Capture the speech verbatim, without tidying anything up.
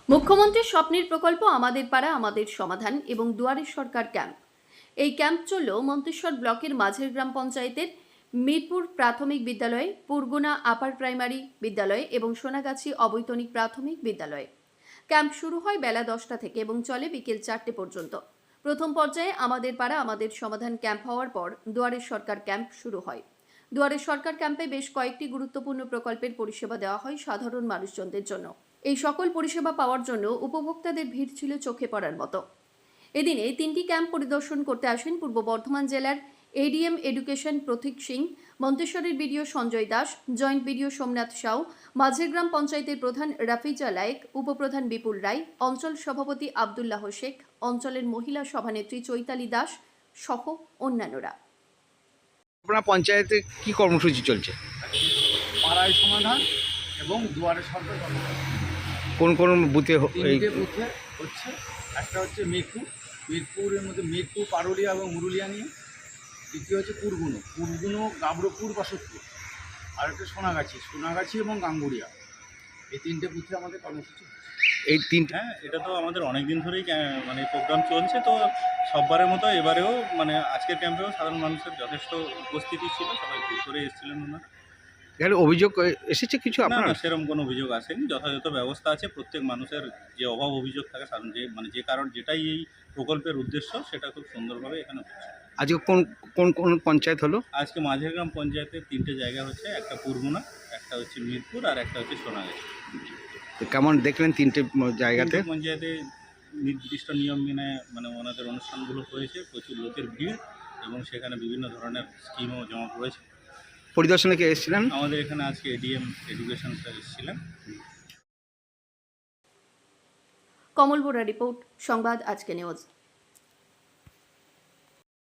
মুখ্যমন্ত্রীর স্বপ্নের প্রকল্প আমাদের পাড়া আমাদের সমাধান এবং দুয়ারের সরকার ক্যাম্প। এই ক্যাম্প চলল মন্তেশ্বর ব্লকের মাঝের গ্রাম পঞ্চায়েতের মিরপুর প্রাথমিক বিদ্যালয়ে, পুরগুনা আপার প্রাইমারি বিদ্যালয়ে এবং সোনাগাছি অবৈতনিক প্রাথমিক বিদ্যালয়ে। ক্যাম্প শুরু হয় বেলা দশটা থেকে এবং চলে বিকেল চারটে পর্যন্ত। প্রথম পর্যায়ে আমাদের পাড়া আমাদের সমাধান ক্যাম্প হওয়ার পর দুয়ারের সরকার ক্যাম্প শুরু হয়। দুয়ারের সরকার ক্যাম্পে বেশ কয়েকটি গুরুত্বপূর্ণ প্রকল্পের পরিষেবা দেওয়া হয় সাধারণ মানুষজনদের জন্য। এই সকল পরিষেবা পাওয়ার জন্য উপভোক্তাদের ভিড় ছিল চোখে পড়ার মতো। এদিনে তিনটি ক্যাম্প পরিদর্শন করতে আসেন পূর্ব বর্ধমান জেলার এডিএম এডুকেশন প্রতীক সিং, মন্তেশ্বরের BDO Sanjay Das, joint BDO Somnath Sau, মাঝের গ্রাম পঞ্চায়েতের প্রধান রাফিজা লায়েক, উপপ্রধান বিপুল রায়, অঞ্চল সভাপতি আবদুল্লাহ শেখ, অঞ্চলের মহিলা সভানেত্রী চৈতালি দাস সহ অন্যান্যরা। আপনার পঞ্চায়েতে কি কর্মসূচি চলছে? পাড়ায় সমাধান এবং দুয়ারে সরকার কর্মসূচি। কোন কোন বুথে হ- এই তিনটে বুথে হচ্ছে। একটা হচ্ছে মিরপুর, মিরপুরের মধ্যে মিরপুর, পারুলিয়া এবং মুরুলিয়া নিয়ে। দ্বিতীয় হচ্ছে পুরগুনো, পুরগুনো, গাবড়পুর, বাসতপুর। আর একটা সোনাগাছি, সোনাগাছি এবং গাঙ্গুড়িয়া। এই তিনটে বুথে আমাদের কর্মসূচি হচ্ছে। এই তিনটে হ্যাঁ, এটা তো আমাদের অনেক দিন ধরেই ক্যা- মানে প্রোগ্রাম চলছে। তো সববারের মতো এবারেও মানে আজকের ক্যাম্পেও সাধারণ মানুষের যথেষ্ট উপস্থিতি ছিল, সবাই ভিড় করে এসেছিলেন ওনারা। এখানে অভিযোগ এসেছে কিছু না আপনার? না, সেরকম কোনো অভিযোগ আসেনি। যথাযথ ব্যবস্থা আছে। প্রত্যেক মানুষের যে অভাব অভিযোগ থাকে সাধারণ যে মানে যে কারণ যেটাই এই প্রকল্পের উদ্দেশ্য সেটা খুব সুন্দরভাবে এখানে হচ্ছে। আজকে কোন কোন কোন পঞ্চায়েত হলো? আজকে মাঝের গ্রাম পঞ্চায়েতের তিনটে জায়গা হচ্ছে, একটা পুরগুনা, একটা হচ্ছে মিরপুর আর একটা হচ্ছে সোনাগাছি। তো কেমন দেখলেন তিনটে ম- জায়গাতে? তিনটে পঞ্চায়েতে নির্দিষ্ট নিয়ম মেনে মানে ওনাদের অনুষ্ঠানগুলো হয়েছে, প্রচুর লোকের ভিড় এবং সেখানে বিভিন্ন ধরনের স্কিমও জমা পড়েছে। পরিদর্শনে কে এসেছিলেন? আমাদের এখানে আজকে এডিএম এডুকেশন স্যার এসেছিলেন। কমল বোরা রিপোর্ট, সংবাদ আজকে নিউজ।